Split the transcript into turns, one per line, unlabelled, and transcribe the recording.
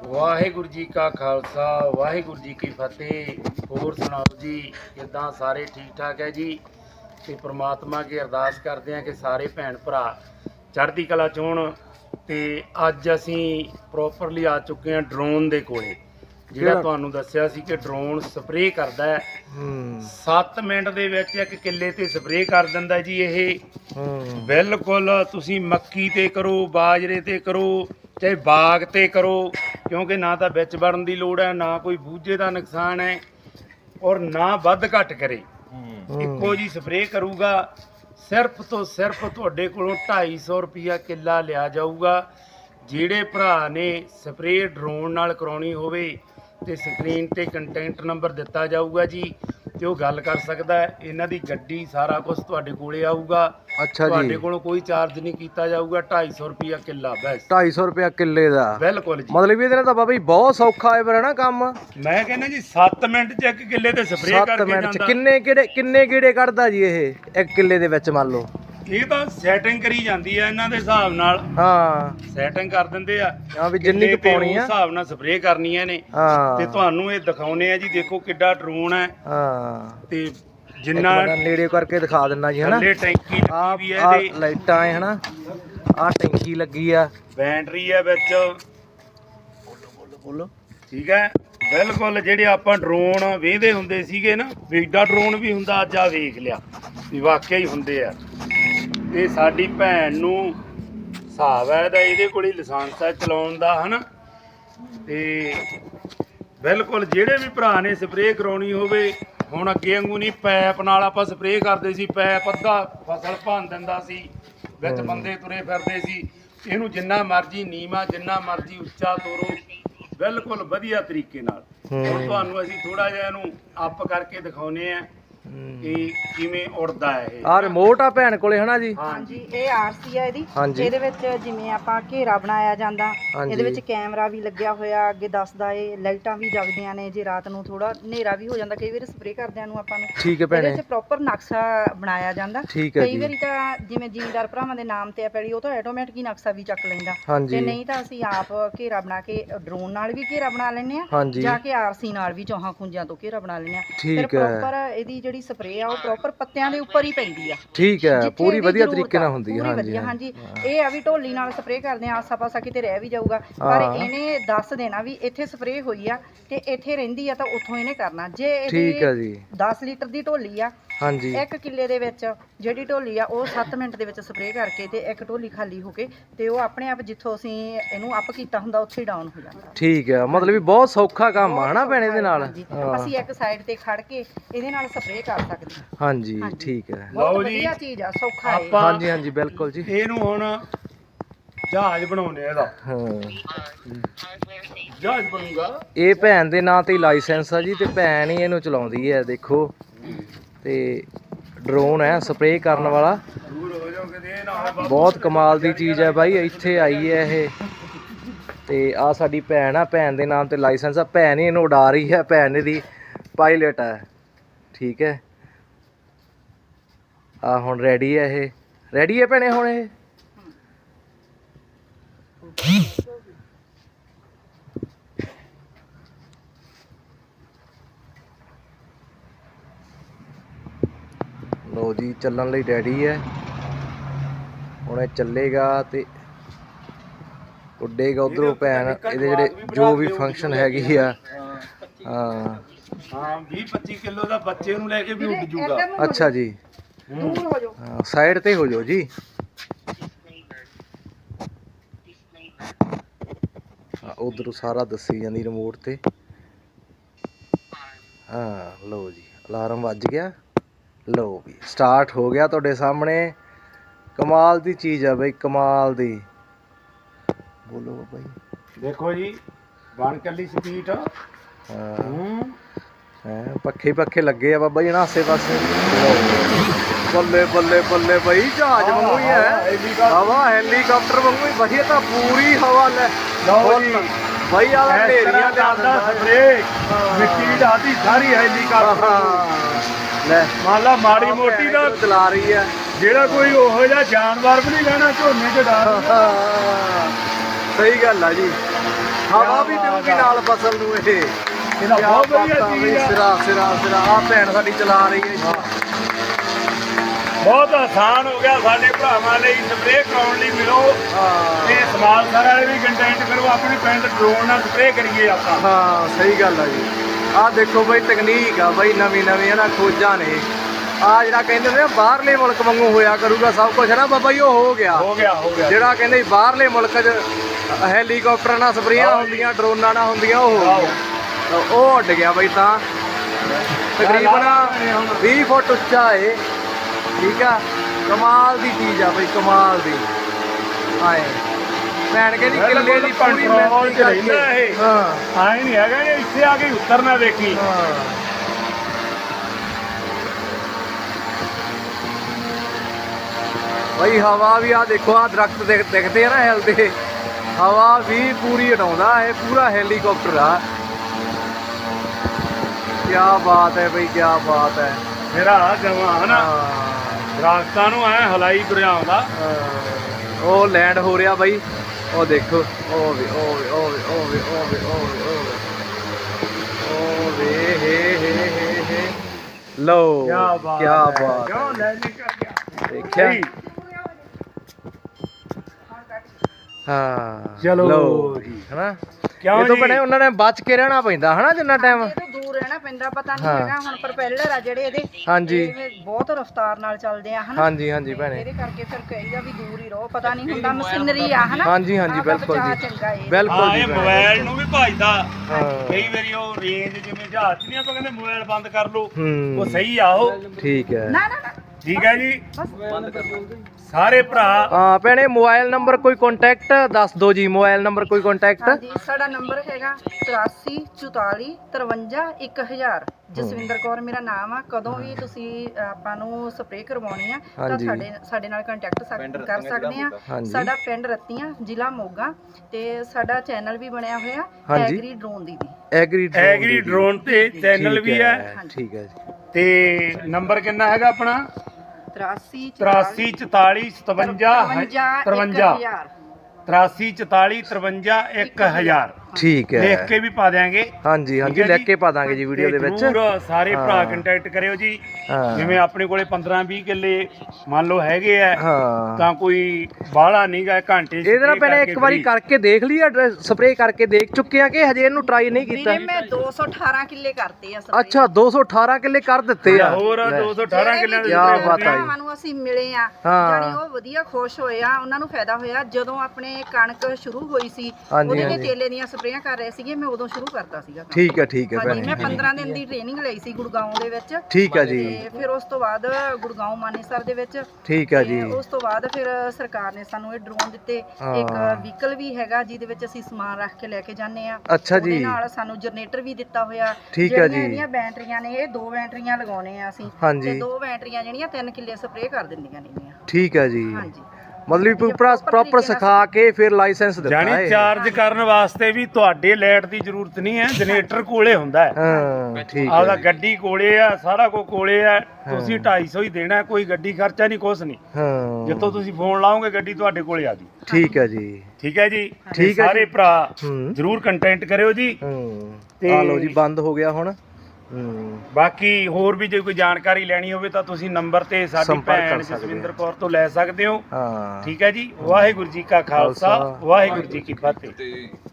ਵਾਹਿਗੁਰੂ ਜੀ ਕਾ ਖਾਲਸਾ ਵਾਹਿਗੁਰੂ ਜੀ ਕੀ ਫਤਿਹ। ਹੋਰ ਸੁਣਾਓ ਜੀ, ਕਿੱਦਾਂ ਸਾਰੇ ਠੀਕ ਠਾਕ ਹੈ ਜੀ। ਤੇ ਪ੍ਰਮਾਤਮਾ ਅੱਗੇ ਅਰਦਾਸ ਕਰਦੇ ਹਾਂ ਕਿ ਸਾਰੇ ਭੈਣ ਭਰਾ ਚੜ੍ਹਦੀ ਕਲਾ 'ਚ ਹੋਣ। ਤੇ ਅੱਜ ਅਸੀਂ ਪ੍ਰੋਪਰਲੀ ਆ ਚੁੱਕੇ ਹਾਂ ਡਰੋਨ ਦੇ ਕੋਲੇ, ਜਿਹੜਾ ਤੁਹਾਨੂੰ ਦੱਸਿਆ ਸੀ ਕਿ ਡਰੋਨ ਸਪਰੇਅ ਕਰਦਾ ਹੈ 7 ਮਿੰਟ ਦੇ ਵਿੱਚ 1 ਕਿੱਲੇ ਤੇ ਸਪਰੇਅ ਕਰ ਦਿੰਦਾ ਜੀ। ਇਹ ਬਿਲਕੁਲ ਤੁਸੀਂ ਮੱਕੀ ਤੇ ਕਰੋ, ਬਾਜਰੇ ਤੇ ਕਰੋ, ਚਾਹੇ ਬਾਗ ਤੇ ਕਰੋ, ਕਿਉਂਕਿ ਨਾ ਤਾਂ ਵਿੱਚ ਵੜਨ ਦੀ ਲੋੜ ਹੈ, ਨਾ ਕੋਈ ਬੂਝੇ ਦਾ ਨੁਕਸਾਨ ਹੈ, ਔਰ ਨਾ ਵੱਧ ਘੱਟ ਕਰੇ। ਇੱਕੋ ਜੀ ਸਪਰੇਅ ਕਰੂਗਾ। ਸਿਰਫ ਤੋਂ ਸਿਰਫ ਤੁਹਾਡੇ ਕੋਲੋਂ 250 ਰੁਪਈਆ ਕਿੱਲਾ ਲਿਆ ਜਾਊਗਾ। ਜਿਹੜੇ ਭਰਾ ਨੇ ਸਪਰੇਅ ਡਰੋਨ ਨਾਲ ਕਰਾਉਣੀ ਹੋਵੇ ਤੇ ਸਕਰੀਨ ਤੇ ਕੰਟੈਕਟ ਨੰਬਰ ਦਿੱਤਾ ਜਾਊਗਾ ਜੀ, ਤੇ ਉਹ ਗੱਲ ਕਰ ਸਕਦਾ ਹੈ। ਇਹਨਾਂ ਦੀ ਗੱਡੀ ਸਾਰਾ ਕੁਝ ਤੁਹਾਡੇ ਕੋਲੇ ਆਊਗਾ।
ਅੱਛਾ ਜੀ,
ਤੁਹਾਡੇ ਕੋਲੋਂ ਕੋਈ ਚਾਰਜ ਨਹੀਂ ਕੀਤਾ ਜਾਊਗਾ। 250 ਰੁਪਈਆ ਕਿੱਲਾ ਬਸ।
250 ਰੁਪਇਆ ਕਿੱਲੇ ਦਾ?
ਬਿਲਕੁਲ ਜੀ।
ਮਤਲਬ ਇਹਦੇ ਨਾਲ ਤਾਂ ਬਾਬਾ ਜੀ ਬਹੁਤ ਸੌਖਾ ਹੈ ਫਿਰ, ਨਾ ਕੰਮ।
ਮੈਂ ਕਹਿੰਦਾ ਜੀ 7 ਮਿੰਟ 'ਚ 1 ਕਿੱਲੇ ਤੇ ਸਪਰੇਅ
7
ਕਰਕੇ
ਮਿੰਟ ਚ
ਜਾਂਦਾ।
ਕਿੰਨੇ ਗੇੜੇ ਕੱਢਦਾ ਜੀ ਇਹ 1 ਕਿੱਲੇ ਦੇ ਵਿੱਚ? ਮੰਨ ਲਓ
ਇਹ ਤਾਂ ਸੈਟਿੰਗ ਕਰੀ ਜਾਂਦੀ ਆ ਇਹਨਾਂ ਦੇ ਹਿਸਾਬ ਨਾਲ।
ਹਾਂ,
ਸੈਟਿੰਗ ਕਰ ਦਿੰਦੇ ਆ
ਹਾਂ ਵੀ ਜਿੰਨੀ ਕੁ ਪਾਉਣੀ ਆ,
ਉਸ ਹਿਸਾਬ ਨਾਲ ਸਪਰੇਅ ਕਰਨੀਆਂ ਨੇ।
ਹਾਂ
ਤੇ ਤੁਹਾਨੂੰ ਇਹ ਦਿਖਾਉਨੇ ਆ ਜੀ, ਦੇਖੋ ਕਿੱਡਾ ਡਰੋਨ ਹੈ।
ਹਾਂ,
ਤੇ ਜਿੰਨਾ
ਨੇੜੇ ਕਰਕੇ ਦਿਖਾ ਦਿੰਦਾ ਜੀ, ਹਨਾ।
ਥੱਲੇ ਟੈਂਕੀ
ਆ
ਲੱਗੀ ਵੀ ਹੈ ਇਹਦੇ,
ਲਾਈਟਾਂ ਹੈ ਹਨਾ, ਆ ਟੈਂਕੀ ਲੱਗੀ ਆ,
ਬੈਟਰੀ ਹੈ ਵਿੱਚ।
ਬੋਲੋ।
ਠੀਕ ਹੈ, ਬਿਲਕੁਲ। ਜਿਹੜੇ ਆਪਾਂ ਡਰੋਨ ਵੇਖਦੇ ਹੁੰਦੇ ਸੀਗੇ ਨਾ, ਏਡਾ ਡਰੋਨ ਵੀ ਹੁੰਦਾ, ਅੱਜ ਆ ਵੇਖ ਲਿਆ ਵੀ ਵਾਕਿਆ ਹੀ ਹੁੰਦੇ ਆ। ਤੇ ਸਾਡੀ ਭੈਣ ਨੂੰ ਹਿਸਾਬ ਹੈ ਇਹਦਾ, ਇਹਦੇ ਕੋਲ ਹੀ ਲਾਇਸੈਂਸ ਹੈ ਚਲਾਉਣ ਦਾ, ਹਨਾ। ਤੇ ਬਿਲਕੁਲ ਜਿਹੜੇ ਵੀ ਭਰਾ ਨੇ ਸਪਰੇਅ ਕਰਾਉਣੀ ਹੋਵੇ, ਹੁਣ ਅੱਗੇ ਵਾਂਗੂ ਨਹੀਂ ਪੈਪ ਨਾਲ ਆਪਾਂ ਸਪਰੇਅ ਕਰਦੇ ਸੀ, ਪੈਪ ਅੱਧਾ ਫਸਲ ਭੰਨ ਦਿੰਦਾ ਸੀ, ਵਿੱਚ ਬੰਦੇ ਤੁਰੇ ਫਿਰਦੇ ਸੀ। ਇਹਨੂੰ ਜਿੰਨਾ ਮਰਜ਼ੀ ਨੀਵਾਂ, ਜਿੰਨਾ ਮਰਜ਼ੀ ਉੱਚਾ ਤੋਰੋ, ਬਿਲਕੁਲ ਵਧੀਆ ਤਰੀਕੇ ਨਾਲ। ਹੁਣ ਤੁਹਾਨੂੰ ਅਸੀਂ ਥੋੜਾ ਜਿਹਾ ਇਹਨੂੰ ਅੱਪ ਕਰਕੇ ਦਿਖਾਉਨੇ ਆ ਕਿ ਕਿਵੇਂ ਉੜਦਾ ਹੈ ਇਹ।
ਆ ਰਿਮੋਟ ਆ ਭੈਣ ਕੋਲੇ, ਹਨਾ ਜੀ?
ਹਾਂਜੀ, ਇਹ ਆਰਸੀ ਆ ਇਹਦੀ। ਇਹਦੇ ਵਿੱਚ ਜਿਵੇਂ ਆਪਾਂ ਘੇਰਾ ਬਣਾਇਆ ਜਾਂਦਾ, ਇਹਦੇ ਵਿੱਚ ਕੈਮਰਾ ਵੀ ਲੱਗਿਆ ਹੋਇਆ, ਅੱਗੇ ਦੱਸਦਾ ਏ, ਲਾਈਟਾਂ ਵੀ ਜਗਦੀਆਂ ਨੇ। ਜੇ ਰਾਤ ਨੂੰ ਥੋੜਾ ਹਨੇਰਾ ਵੀ ਹੋ ਜਾਂਦਾ ਕਈ ਵਾਰ ਸਪਰੇਅ ਕਰਦਿਆਂ ਨੂੰ ਆਪਾਂ ਨੂੰ,
ਠੀਕ ਹੈ ਭੈਣੇ,
ਇਹਦੇ ਵਿੱਚ ਪ੍ਰੋਪਰ ਨਕਸ਼ਾ ਬਣਾਇਆ ਜਾਂਦਾ। ਕਈ ਵਾਰੀ ਤਾਂ ਜਿਵੇਂ ਜ਼ਿਮੀਂਦਾਰ ਭਰਾਵਾਂ ਦੇ ਨਾਮ ਤੇ ਆ ਪੈਲੀ, ਉਹ ਤਾਂ ਆਟੋਮੈਟਿਕ ਹੀ ਨਕਸ਼ਾ ਵੀ ਚੱਕ ਲੈਂਦਾ। ਤੇ ਨਹੀਂ ਤਾਂ ਅਸੀਂ ਆਪ ਘੇਰਾ ਬਣਾ ਕੇ ਡਰੋਨ ਨਾਲ ਵੀ ਘੇਰਾ ਬਣਾ ਲੈਂਦੇ ਆ, ਜਾ ਕੇ ਆਰਸੀ ਨਾਲ ਵੀ ਚੌਹਾਂ ਖੁੰਝਾਂ ਤੋਂ ਘੇਰਾ ਬਣਾ ਲੈਂਦੇ ਆ। ਫਿਰ ਪ੍ਰੋਪਰ ਇਹਦੀ ਜਿਹੜੀ ਸਪਰੇਅ ਆ ਉਹ ਪ੍ਰੋਪਰ ਪੱਤਿਆਂ ਦੇ ਉੱਪਰ ਹੀ ਪੈਂਦੀ ਆ।
ਠੀਕ ਹੈ, ਪੂਰੀ ਵਧੀਆ ਤਰੀਕੇ ਨਾਲ ਹੁੰਦੀ ਹੈ।
ਹਾਂਜੀ ਹਾਂਜੀ। ਇਹ ਆ ਵੀ ਢੋਲੀ ਨਾਲ ਸਪਰੇਅ ਕਰਦੇ ਆ, ਆਸਾ ਪਾਸਾ ਕਿਤੇ ਰਹਿ ਵੀ ਜਾਊਗਾ, ਪਰ ਇਹਨੇ ਦੱਸ ਦੇਣਾ ਵੀ ਇੱਥੇ ਸਪਰੇਅ ਹੋਈ ਆ ਤੇ ਇੱਥੇ ਰਹਿੰਦੀ ਆ, ਤਾਂ ਉੱਥੋਂ ਇਹਨੇ ਕਰਨਾ। ਜੇ ਇਹਦੀ 10 ਲੀਟਰ ਦੀ ਢੋਲੀ ਆ, ਹਾਂਜੀ, 1 ਕਿੱਲੇ ਦੇ ਵਿੱਚ ਜਿਹੜੀ ਢੋਲੀ ਆ ਉਹ 7 ਮਿੰਟ ਦੇ ਵਿੱਚ ਸਪਰੇਅ ਕਰਕੇ ਤੇ 1 ਢੋਲੀ ਖਾਲੀ ਹੋ ਕੇ ਤੇ ਉਹ ਆਪਣੇ ਆਪ ਜਿੱਥੋਂ ਅਸੀਂ ਇਹਨੂੰ ਅਪ ਕੀਤਾ ਹੁੰਦਾ ਉੱਥੇ ਹੀ ਡਾਊਨ ਹੋ ਜਾਂਦਾ।
ਠੀਕ ਹੈ, ਮਤਲਬ ਵੀ ਬਹੁਤ ਸੌਖਾ ਕੰਮ ਆ, ਹਨਾ ਭੈਣੇ ਦੇ ਨਾਲ।
ਅਸੀਂ ਇੱਕ ਸਾਈਡ ਤੇ ਖੜ ਕੇ ਇਹਦੇ ਨਾਲ ਸਪਰੇਅ ਕਰ ਸਕਦੇ ਹਾਂ।
ਹਾਂਜੀ, ਠੀਕ ਹੈ।
ਬਹੁਤ ਵਧੀਆ ਚੀਜ਼ ਆ, ਸੌਖਾ ਹੈ।
ਹਾਂਜੀ ਹਾਂਜੀ, ਬਿਲਕੁਲ ਜੀ।
ਇਹਨੂੰ ਹੁਣ ਜਹਾਜ਼ ਬਣਾਉਣੇ ਇਹਦਾ।
ਹਾਂ,
ਜਹਾਜ਼ ਬਣੂਗਾ।
ਇਹ ਭੈਣ ਦੇ ਨਾਂ ਤੇ ਲਾਇਸੈਂਸ ਆ ਜੀ, ਤੇ ਭੈਣ ਹੀ ਇਹਨੂੰ ਚਲਾਉਂਦੀ ਹੈ। ਦੇਖੋ, ਤੇ ਡਰੋਨ ਹੈ ਸਪਰੇਅ ਕਰਨ ਵਾਲਾ। ਬਹੁਤ ਕਮਾਲ ਦੀ ਚੀਜ਼ ਹੈ ਬਾਈ। ਇੱਥੇ ਆਈ ਹੈ ਇਹ, ਤੇ ਆ ਸਾਡੀ ਭੈਣ ਆ, ਭੈਣ ਦੇ ਨਾਮ ਤੇ ਲਾਇਸੈਂਸ ਆ, ਭੈਣ ਹੀ ਇਹਨੂੰ ਉਡਾ ਰਹੀ ਹੈ, ਭੈਣ ਦੀ ਪਾਇਲਟ ਹੈ। ਠੀਕ ਹੈ, ਆ ਹੁਣ ਰੈਡੀ ਹੈ, ਇਹ ਰੈਡੀ ਹੈ ਭੈਣੇ ਹੁਣ ਇਹ। ਲੋ ਜੀ, ਚੱਲਣ ਲਈ ਰੈਡੀ ਹੈ। ਹੁਣ ਇਹ ਚੱਲੇਗਾ ਤੇ ਉੱਡੇਗਾ ਉਧਰੋਂ ਭੈਣ। ਇਹਦੇ ਜਿਹੜੇ ਜੋ ਵੀ ਫੰਕਸ਼ਨ ਹੈਗੀ ਆ, ਹਾਂ
ਹਾਂ, 20-25 ਕਿਲੋ ਦਾ ਬੱਚੇ ਨੂੰ ਲੈ ਕੇ ਵੀ ਉੱਡ ਜੂਗਾ।
ਅੱਛਾ ਜੀ, ਹਾਂ, ਸਾਈਡ ਤੇ ਹੋ ਜਾਓ ਜੀ। ਉਧਰੋਂ ਸਾਰਾ ਦੱਸੀ ਜਾਂਦੀ ਰਿਮੋਟ ਤੇ। ਹਾਂ, ਲਓ ਜੀ, ਅਲਾਰਮ ਵੱਜ ਗਿਆ। ਲਓ ਵੀ, ਸਟਾਰਟ ਹੋ ਗਿਆ ਤੁਹਾਡੇ ਸਾਹਮਣੇ। ਕਮਾਲ ਦੀ ਚੀਜ਼ ਆ ਬਈ, ਕਮਾਲ ਦੀ। ਬੋਲੋ ਬਾਬਾ ਜੀ।
ਦੇਖੋ ਜੀ, ਬਣ ਕੱਲੀ ਸਪੀਡ।
ਹਾਂ, ਪੱਖੇ ਲੱਗੇ ਆ ਬਾਬਾ ਜੀ ਨਾ ਆਸੇ ਪਾਸੇ। ਬੱਲੇ ਬੱਲੇ ਬੱਲੇ ਬਈ, ਜਹਾਜ਼ ਵਾਂਗੂ ਹੀ ਹੈ, ਹਵਾ ਹੈਲੀਕਾਪਟਰ ਵਾਂਗੂ ਹੀ। ਵਧੀਆ, ਤਾਂ ਪੂਰੀ ਹਵਾ ਲੈ ਬਈ। ਆ ਢੇਰੀਆਂ
ਜਾਂਦਾ ਸਪਰੇਅ, ਮਿੱਟੀ ਢਾਦੀ ਸਾਰੀ ਹੈਲੀਕਾਪਟਰ ਲੈ। ਮੰਨ ਲਾ ਮਾੜੀ ਮੋਟੀ ਦਾ
ਚਲਾ ਰਹੀ ਹੈ,
ਜਿਹੜਾ ਕੋਈ ਉਹੋ ਜਿਹਾ ਜਾਨਵਰ ਵੀ ਨਹੀਂ ਰਹਿਣਾ ਝੋਨੇ 'ਚ ਡਰ।
ਸਹੀ ਗੱਲ ਆ ਜੀ। ਹਵਾ ਵੀ ਦੇਊਗੀ ਨਾਲ ਫਸਲ ਨੂੰ ਇਹ।
ਇਹਦਾ
ਕਿਆ
ਬਹੁਤ ਵਧੀਆ
ਬਾਤਾਂ ਬਈ,
ਚੀਜ਼ ਆ।
ਸਿਰਾ ਆ ਭੈਣ ਸਾਡੀ ਚਲਾ ਰਹੀ ਹੈ ਜੀ।
ਬਹੁਤ ਆਸਾਨ ਹੋ ਗਿਆ ਸਾਡੇ ਭਰਾਵਾਂ ਲਈ ਸਪਰੇਅ ਕਰਾਉਣ ਲਈ ਮਿਲੋ ਤੇ
ਹਾਂ
ਸਮਾਲਸਰ ਵਾਲੇ ਵੀ ਕੰਟੈਂਟ ਕਰੋ ਆਪਣੇ ਪਿੰਡ ਡਰੋਨ ਨਾਲ ਸਪਰੇਅ ਕਰੀਏ ਆਪਾਂ।
ਹਾਂ ਸਹੀ ਗੱਲ ਆ ਜੀ। ਆਹ ਦੇਖੋ ਬਈ ਤਕਨੀਕ ਆ ਬਈ, ਨਵੀਂ ਨਾ ਖੋਜਾਂ ਨੇ। ਆ ਜਿਹੜਾ ਕਹਿੰਦੇ ਨੇ ਬਾਹਰਲੇ ਮੁਲਕ ਵਾਂਗੂ ਹੋਇਆ ਕਰੂਗਾ ਸਭ ਕੁਝ ਹੈ ਨਾ ਬਾਬਾ ਜੀ, ਉਹ ਹੋ ਗਿਆ। ਜਿਹੜਾ ਕਹਿੰਦੇ ਬਾਹਰਲੇ ਮੁਲਕ 'ਚ ਹੈਲੀਕਾਪਟਰਾਂ ਨਾਲ ਸਪਰੇਆਂ ਹੁੰਦੀਆਂ, ਡਰੋਨਾਂ ਨਾਲ ਹੁੰਦੀਆਂ, ਉਹ ਹੋ ਗਿਆ। ਤਾਂ ਉਹ ਉੱਡ ਗਿਆ ਬਈ। ਤਾਂ ਤਕਰੀਬਨ 20 ਫੁੱਟ ਉੱਚਾ ਏ। ਠੀਕ ਆ, ਕਮਾਲ ਦੀ ਚੀਜ਼ ਆ ਬਈ, ਕਮਾਲ ਦੀ। ਆਏ ਭੈਣ ਕਹਿੰਦੀ ਕਿੱਲੇ ਦੀ ਪੂਰੀ
ਕੰਟਰੋਲ 'ਚ ਰਹਿੰਦਾ ਇਹ।
ਹਾਂ
ਆਏ ਨਹੀਂ ਹੈਗਾ ਇਹ ਇੱਥੇ ਆ ਕੇ ਉਤਰਨਾ ਦੇਖੀ।
ਹਾਂ ਬਈ ਹਵਾ ਵੀ ਆ ਦੇਖੋ, ਆ ਦਰਖਤ ਦਿਖਦੇ ਆ ਨਾ ਹਿਲਦੇ, ਹਵਾ ਵੀ ਪੂਰੀ ਹਟਾਉਂਦਾ ਇਹ, ਪੂਰਾ ਹੈਲੀਕਾਪਟਰ ਆ। ਕਿਆ ਬਾਤ ਹੈ ਬਈ, ਕਿਆ ਬਾਤ ਹੈ।
ਮੇਰਾ ਜਮਾ ਹਨਾ
ਹਾਂ,
ਰਾਜਸਥਾਨ ਨੂੰ ਐ ਹਲਾਈ ਤੁਰਿਆ ਆਉਂਦਾ।
ਉਹ ਲੈਂਡ ਹੋ ਰਿਹਾ ਬਾਈ, ਉਹ ਦੇਖੋ, ਉਹ ਵੇ ਹੇ ਲਓ, ਕਿਆ ਬਾਤ
ਕਿਉਂ
ਹੈ।
ਲੈਂਡਿੰਗ ਕਰ ਗਿਆ
ਦੇਖਿਆ?
ਸਹੀ।
ਹਾਂ
ਚਲੋ
ਲਓ
ਜੀ।
ਹਨਾ,
ਕਿਉਂ
ਇਹ ਤੋਂ
ਜੀ?
ਬਣੇ ਉਹਨਾਂ ਨੇ ਬਚ ਕੇ ਰਹਿਣਾ ਪੈਂਦਾ ਹਨਾ, ਜਿੰਨਾ ਟਾਈਮ।
ਇਹ ਤੋਂ ਦੂਰ ਰਹਿਣਾ ਪੈਂਦਾ, ਪਤਾ ਨਹੀਂ
ਹਾਂ।
ਹੈਗਾ ਹੁਣ ਪ੍ਰੋਪੈਲਰ ਆ ਜਿਹੜੇ ਇਹਦੇ,
ਹਾਂਜੀ।
ਇਹ ਬਹੁਤ ਰਫ਼ਤਾਰ ਨਾਲ ਚੱਲਦੇ ਆ ਹਨਾ।
ਹਾਂਜੀ ਭੈਣੇ,
ਇਹਦੇ ਕਰਕੇ ਫਿਰ ਕਹੀਦਾ ਵੀ ਦੂਰ ਹੀ ਰਹੋ, ਪਤਾ ਨਹੀਂ ਹੁੰਦਾ ਮਸ਼ੀਨਰੀ ਆ ਹਨਾ।
ਹਾਂਜੀ
ਆਪਦਾ
ਬਿਲਕੁਲ
ਬਚਾਅ
ਜੀ,
ਚੰਗਾ ਇਹ।
ਬਿਲਕੁਲ
ਹਾਂ
ਜੀ
ਇਹ
ਭੈਣੇ।
ਮੋਬਾਈਲ ਨੂੰ ਵੀ ਭਜਦਾ।
ਹਾਂ।
ਕਈ ਵਾਰੀ ਉਹ ਰੇਂਜ ਜਿਵੇਂ ਜਹਾਜ਼ 'ਚ ਨਹੀਂ ਆਪਾਂ ਕਹਿੰਦੇ ਮੋਬਾਈਲ ਬੰਦ ਕਰ ਲਓ,
ਹੂੰ।
ਉਹ ਸਹੀ ਆ ਉਹ।
ਠੀਕ ਹੈ।
ਨਾ
ਠੀਕ ਹੈ ਜੀ।
ਬਸ
ਸਾਰੇ ਭਰਾ
ਹਾਂ ਭੈਣੇ, ਮੋਬਾਈਲ ਨੰਬਰ ਕੋਈ ਕੰਟੈਕਟ ਦੱਸ ਦਿਓ ਜੀ, ਮੋਬਾਈਲ ਨੰਬਰ ਕੋਈ ਕੰਟੈਕਟ।
ਹਾਂਜੀ, ਸਾਡਾ ਨੰਬਰ ਹੈਗਾ 83 44 53 1000। ਜਸਵਿੰਦਰ ਕੌਰ ਮੇਰਾ ਨਾਮ ਆ। ਕਦੋਂ ਵੀ ਤੁਸੀਂ ਆਪਾਂ ਨੂੰ ਸਪਰੇਅ ਕਰਵਾਉਣੀ ਆ ਤਾਂ
ਹਾਂਜੀ।
ਸਾਡੇ ਨਾਲ ਕੰਟੈਕਟ ਕਰ ਸਕਦੇ ਆ।
ਹਾਂਜੀ।
ਸਾਡਾ ਪਿੰਡ ਰੱਤੀਆਂ, ਜ਼ਿਲ੍ਹਾ ਮੋਗਾ, ਤੇ ਸਾਡਾ ਚੈਨਲ ਵੀ ਬਣਿਆ ਹੋਇਆ
ਹਾਂਜੀ।
ਐਗਰੀ ਡਰੋਨ ਦੀ।
ਐਗਰੀ ਡਰੋਨ ਤੇ ਚੈਨਲ ਵੀ ਹੈ।
ਠੀਕ ਹੈ ਜੀ।
ਤੇ ਨੰਬਰ ਕਿੰਨਾ ਹੈਗਾ ਆਪਣਾ?
83
83 44 57 53 83 44 53 1000।
ਠੀਕ ਹੈ,
ਲਿਖ ਕੇ ਵੀ ਪਾ ਦਿਆਂਗੇ।
ਹਾਂਜੀ
ਠੀਕ ਹੈ
ਲਿਖ
ਜੀ।
ਕੇ ਪਾ ਦਾਂਗੇ ਜੀ ਵੀਡੀਓ
ਤੇ
ਦੇ ਵਿੱਚ।
ਜ਼ਰੂਰ ਸਾਰੇ ਭਰਾ
ਹਾਂ।
ਕੰਟੈਕਟ ਕਰਿਓ ਜੀ।
ਹਾਂ।
ਜਿਵੇਂ ਆਪਣੇ ਕੋਲੇ 15-20 ਕਿੱਲੇ ਮੰਨ ਲਓ ਹੈਗੇ ਆ,
ਹਾਂ
ਤਾਂ ਕੋਈ ਬਾਹਲਾ ਨਹੀਂਗਾ, ਘੰਟੇ 'ਚ
ਇਹਦੇ ਨਾਲ
spray
ਪਹਿਲੇ
ਕਰਕੇ
ਇੱਕ ਵਾਰੀ
free।
ਕਰਕੇ ਦੇਖ ਲਈ, ਸਪਰੇਅ ਕਰਕੇ ਦੇਖ ਚੁੱਕੇ ਆ ਕਿ ਹਜੇ ਇਹਨੂੰ ਟਰਾਈ ਨਹੀਂ ਕੀਤਾ?
ਵੀਰੇ ਮੈਂ 218 ਕਿੱਲੇ ਕਰਤੇ ਆ spray।
ਅੱਛਾ 218 ਕਿੱਲੇ ਕਰ ਦਿੱਤੇ ਆ।
ਹੋਰ
ਲੈ।
218 ਕਿੱਲਿਆਂ ਦੇ
ਕਿਆ
spray
ਬਾਤ ਆ ਜੀ।
ਭਰਾਵਾਂ ਨੂੰ ਅਸੀਂ ਮਿਲੇ ਆ,
ਹਾਂ।
ਜਾਨੀ ਉਹ ਵਧੀਆ ਖੁਸ਼ ਹੋਏ ਆ, ਉਹਨਾਂ ਨੂੰ ਫਾਇਦਾ ਹੋਇਆ। ਜਦੋਂ ਆਪਣੇ ਕਣਕ ਸ਼ੁਰੂ ਹੋਈ ਸੀ,
ਹਾਂਜੀ,
ਉਹਦੇ
ਹਾਂਜੀ।
ਤੇਲੇ ਦੀਆਂ ਸਪਰੇਆਂ ਕਰ ਰਹੇ ਸੀਗੇ, ਮੈਂ ਉਦੋਂ ਸ਼ੁਰੂ ਕਰਤਾ ਸੀਗਾ ਕੰਮ।
ਠੀਕ ਹੈ
ਹਾਂਜੀ,
ਭੈਣੇ।
ਮੈਂ 15 ਦਿਨ ਦੀ ਟ੍ਰੇਨਿੰਗ ਲਈ ਸੀ ਗੁੜਗਾਉਂ ਦੇ ਵਿੱਚ।
ਠੀਕ ਹੈ ਜੀ।
ਤੇ ਫਿਰ ਉਸ ਤੋਂ ਬਾਅਦ ਗੁੜਗਾਉਂ ਮਾਨੇਸਰ ਦੇ ਵਿੱਚ।
ਠੀਕ ਹੈ
ਤੇ
ਜੀ।
ਉਸ ਤੋਂ ਬਾਅਦ ਫਿਰ ਸਰਕਾਰ ਨੇ ਸਾਨੂੰ ਇਹ ਡਰੋਨ ਦਿੱਤੇ। ਇੱਕ
ਹਾਂ।
ਵਹੀਕਲ ਵੀ ਹੈਗਾ ਜਿਹਦੇ ਵਿੱਚ ਅਸੀਂ ਸਮਾਨ ਰੱਖ ਕੇ ਲੈ ਕੇ ਜਾਂਦੇ ਆ।
ਅੱਛਾ ਜੀ।
ਉਹਦੇ ਨਾਲ ਸਾਨੂੰ ਜਨਰੇਟਰ ਵੀ ਦਿੱਤਾ ਹੋਇਆ।
ਠੀਕ ਹੈ
ਜਿਹੜੀਆਂ
ਜੀ।
ਇਹਦੀਆਂ ਬੈਟਰੀਆਂ ਨੇ, ਇਹ 2 ਬੈਟਰੀਆਂ ਲਗਾਉਣੇ ਆ ਅਸੀਂ।
ਹਾਂਜੀ।
ਤੇ 2 ਬੈਟਰੀਆਂ ਜਿਹੜੀਆਂ 3 ਕਿੱਲੇ ਸਪਰੇਅ ਕਰ ਦਿੰਦੀਆਂ ਨੇ।
ਠੀਕ ਹੈ ਜੀ।
ਹਾਂਜੀ।
ਮਤਲਬ ਪ੍ਰੋਪਰ ਸਿਖਾ ਕੇ ਫਿਰ ਲਾਇਸੈਂਸ ਦਿੱਤਾ
ਜਾਨੀ
ਹੈ।
ਚਾਰਜ ਕਰਨ ਵਾਸਤੇ ਵੀ ਤੁਹਾਡੇ ਲਾਈਟ ਦੀ ਜ਼ਰੂਰਤ ਨਹੀਂ ਹੈ, ਜਨਰੇਟਰ ਕੋਲੇ ਹੁੰਦਾ ਹੈ।
ਹਾਂ ਠੀਕ
ਆਪਦਾ
ਹੈ।
ਗੱਡੀ ਕੋਲੇ ਆ, ਸਾਰਾ ਕੁਝ ਕੋਲੇ ਆ। ਤੁਸੀਂ 250 ਹੀ ਦੇਣਾ, ਕੋਈ ਗੱਡੀ ਖਰਚਾ ਨਹੀਂ, ਕੁਛ ਨਹੀਂ।
ਹਾਂ
ਜਿੱਥੋਂ ਤੁਸੀਂ ਫੋਨ ਲਾਓਗੇ ਗੱਡੀ ਤੁਹਾਡੇ ਕੋਲੇ ਆ ਜੀ।
ਠੀਕ ਹੈ ਜੀ।
ਠੀਕ ਹੈ ਜੀ।
ਠੀਕ ਹੈ
ਸਾਰੇ
ਜੀ।
ਭਰਾ
ਹੂੰ।
ਜਰੂਰ ਕੰਟੈਂਟ ਕਰਿਓ ਜੀ। ਤੇ-
ਆ ਲਓ ਜੀ, ਬੰਦ ਹੋ ਗਿਆ ਹੁਣ।
ਬਾਕੀ ਹੋਰ ਵੀ ਜੇ ਕੋਈ ਜਾਣਕਾਰੀ ਲੈਣੀ ਹੋਵੇ ਤਾਂ ਤੁਸੀਂ ਨੰਬਰ ਤੇ ਸਾਡੀ
ਸੰਪਰਕ ਕਰ
ਭੈਣ
ਸਕਦੇ
ਜਸਵਿੰਦਰ ਕੌਰ ਤੋਂ ਲੈ ਸਕਦੇ ਹੋ।
ਹਾਂ
ਠੀਕ ਹੈ ਜੀ। ਵਾਹਿਗੁਰੂ ਜੀ ਕਾ ਖਾਲਸਾ, ਵਾਹਿਗੁਰੂ ਜੀ ਕੀ ਫਤਿਹ।